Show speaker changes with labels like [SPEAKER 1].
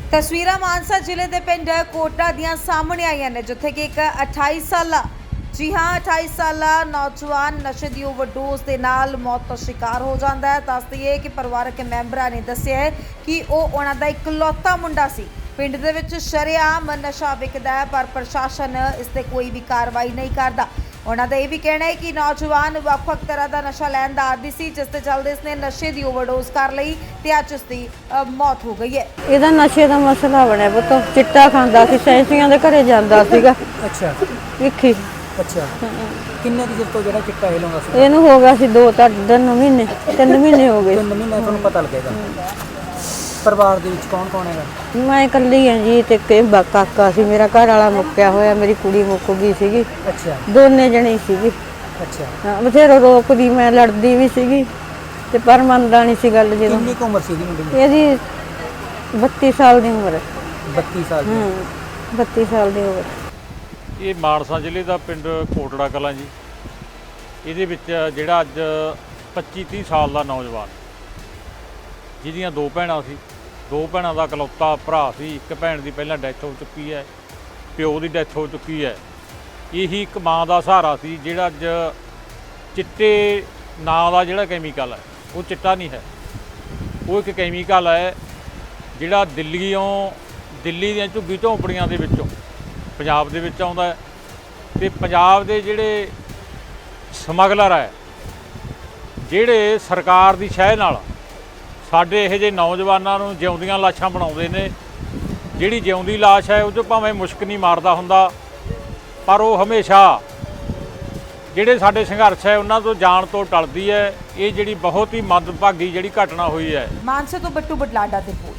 [SPEAKER 1] ਤਸਵੀਰਾਂ ਮਾਨਸਾ ਜ਼ਿਲ੍ਹੇ ਦੇ ਪਿੰਡ ਕੋਟਾ ਦੀਆਂ ਸਾਹਮਣੇ ਆਈਆਂ ਨੇ, ਜਿੱਥੇ ਕਿ ਇੱਕ 28 ਸਾਲਾ 28 ਸਾਲਾ ਨੌਜਵਾਨ ਨਸ਼ੇ ਦੀ ਓਵਰਡੋਜ਼ ਦੇ ਨਾਲ ਮੌਤ ਦਾ ਸ਼ਿਕਾਰ ਹੋ ਜਾਂਦਾ ਹੈ। ਦੱਸ ਦਈਏ ਕਿ ਪਰਿਵਾਰਕ ਮੈਂਬਰਾਂ ਨੇ ਦੱਸਿਆ ਹੈ ਕਿ ਉਹ ਉਹਨਾਂ ਦਾ ਇਕਲੌਤਾ ਮੁੰਡਾ ਸੀ। ਪਿੰਡ ਦੇ ਵਿੱਚ ਸ਼ਰੇਆਮ ਨਸ਼ਾ ਵਿਕਦਾ ਹੈ, ਪਰ ਪ੍ਰਸ਼ਾਸਨ ਇਸ ਤੇ ਕੋਈ ਵੀ ਕਾਰਵਾਈ ਨਹੀਂ ਕਰਦਾ। ਉਹਨਾਂ ਦਾ ਇਹ ਵੀ ਕਹਿਣਾ ਹੈ ਕਿ ਨੌਜਵਾਨ ਵੱਖ-ਵੱਖ ਤਰ੍ਹਾਂ ਦਾ ਨਸ਼ਾ ਲੈਣ ਦਾ ਆਦੀ ਸੀ, ਜਿਸ ਤੇ ਚੱਲਦੇ ਇਸਨੇ ਨਸ਼ੇ ਦੀ ਓਵਰਡੋਜ਼ ਕਰ ਲਈ ਤੇ ਅੱਜ ਇਸ ਦੀ ਮੌਤ ਹੋ ਗਈ ਹੈ।
[SPEAKER 2] ਇਹਦਾ ਨਸ਼ੇ ਦਾ ਮਸਲਾ ਬਣਿਆ ਪੁੱਤ, ਚਿੱਟਾ ਖਾਂਦਾ ਸੀ, ਸੈਂਸੀਆਂ ਦੇ ਘਰੇ ਜਾਂਦਾ ਸੀਗਾ।
[SPEAKER 3] ਅੱਛਾ
[SPEAKER 2] ਵੇਖੀ
[SPEAKER 3] ਅੱਛਾ ਕਿੰਨੇ ਕੁ ਚਿਰ ਤੋਂ ਜਿਹੜਾ ਚਿੱਟਾ ਇਹ ਲਾਉਂਦਾ ਸੀ?
[SPEAKER 2] ਇਹਨੂੰ ਹੋ ਗਿਆ ਸੀ 3 ਮਹੀਨੇ ਹੋ ਗਏ।
[SPEAKER 3] 3 ਮਹੀਨੇ ਤੁਹਾਨੂੰ ਪਤਾ ਲੱਗੇਗਾ। ਪਰਿਵਾਰ ਦੇ ਵਿੱਚ ਕੌਣ ਕੌਣ ਹੈਗਾ?
[SPEAKER 2] ਮੈਂ ਇਕੱਲੀ ਹਾਂ ਜੀ, ਤੇ ਕਾਕਾ ਸੀ ਮੇਰਾ, ਘਰ ਵਾਲਾ ਮੁੱਕਿਆ ਹੋਇਆ, ਮੇਰੀ ਕੁੜੀ ਮੁੱਕ ਗਈ ਸੀਗੀ।
[SPEAKER 3] ਅੱਛਾ
[SPEAKER 2] ਦੋਨੇ ਜਣੇ ਸੀਗੇ।
[SPEAKER 3] ਅੱਛਾ
[SPEAKER 2] ਹਾਂ, ਬਥੇਰਾ ਰੋਕਦੀ, ਮੈਂ ਲੜਦੀ ਵੀ ਸੀਗੀ ਤੇ ਪਰ ਮੰਨਦਾ ਨਹੀਂ ਸੀ ਗੱਲ। ਜਦੋਂ
[SPEAKER 3] ਕਿੰਨੀ ਕੁ ਉਮਰ ਸੀ ਇਹਦੀ ਮੁੰਡੇ ਦੀ?
[SPEAKER 2] ਇਹਦੀ 32 ਸਾਲ ਦੀ ਉਮਰ ਹੈ।
[SPEAKER 3] 32 ਸਾਲ ਦੀ।
[SPEAKER 2] 32 ਸਾਲ ਦੀ ਉਮਰ।
[SPEAKER 4] ਇਹ ਮਾਨਸਾ ਜ਼ਿਲ੍ਹੇ ਦਾ ਪਿੰਡ ਕੋਟੜਾ ਕਲਾਂ ਜੀ। ਇਹਦੇ ਵਿੱਚ ਜਿਹੜਾ ਅੱਜ 25-30 ਸਾਲ ਦਾ ਨੌਜਵਾਨ, ਜਿਹਦੀਆਂ 2 ਭੈਣਾਂ ਸੀ, 2 ਭੈਣਾਂ ਦਾ ਇਕਲੌਤਾ ਭਰਾ ਸੀ। ਇੱਕ ਭੈਣ ਦੀ ਪਹਿਲਾਂ ਡੈਥ ਹੋ ਚੁੱਕੀ ਹੈ, ਪਿਓ ਦੀ ਡੈਥ ਹੋ ਚੁੱਕੀ ਹੈ। ਇਹੀ ਇੱਕ ਮਾਂ ਦਾ ਸਹਾਰਾ ਸੀ, ਜਿਹੜਾ ਅੱਜ ਚਿੱਟੇ ਨਾਂ ਦਾ ਜਿਹੜਾ ਕੈਮੀਕਲ ਹੈ, ਉਹ ਚਿੱਟਾ ਨਹੀਂ ਹੈ, ਉਹ ਇੱਕ ਕੈਮੀਕਲ ਹੈ ਜਿਹੜਾ ਦਿੱਲੀ ਦੀਆਂ ਝੁੱਗੀ ਝੌਂਪੜੀਆਂ ਦੇ ਵਿੱਚੋਂ ਪੰਜਾਬ ਦੇ ਵਿੱਚ ਆਉਂਦਾ ਹੈ। ਤੇ ਪੰਜਾਬ ਦੇ ਜਿਹੜੇ ਸਮਗਲਰ ਹੈ, ਜਿਹੜੇ ਸਰਕਾਰ ਦੀ ਸ਼ਹਿ ਨਾਲ ਸਾਡੇ ਇਹੋ ਜਿਹੇ ਨੌਜਵਾਨਾਂ ਨੂੰ ਜਿਉਂਦੀਆਂ ਲਾਸ਼ਾਂ ਬਣਾਉਂਦੇ ਨੇ। ਜਿਹੜੀ ਜਿਉਂਦੀ ਲਾਸ਼ ਹੈ ਉਹ 'ਚੋਂ ਭਾਵੇਂ ਮੁਸ਼ਕ ਨਹੀਂ ਮਾਰਦਾ ਹੁੰਦਾ, ਪਰ ਉਹ ਹਮੇਸ਼ਾ ਜਿਹੜੇ ਸਾਡੇ ਸੰਘਰਸ਼ ਹੈ ਉਹਨਾਂ ਤੋਂ ਜਾਣ ਤੋਂ ਟਲਦੀ ਹੈ। ਇਹ ਜਿਹੜੀ ਬਹੁਤ ਹੀ ਮੰਦਭਾਗੀ ਜਿਹੜੀ ਘਟਨਾ ਹੋਈ ਹੈ।
[SPEAKER 1] ਮਾਨਸਾ ਤੋਂ ਬੱਟੂ ਬਟਲਾਡਾ ਦੇ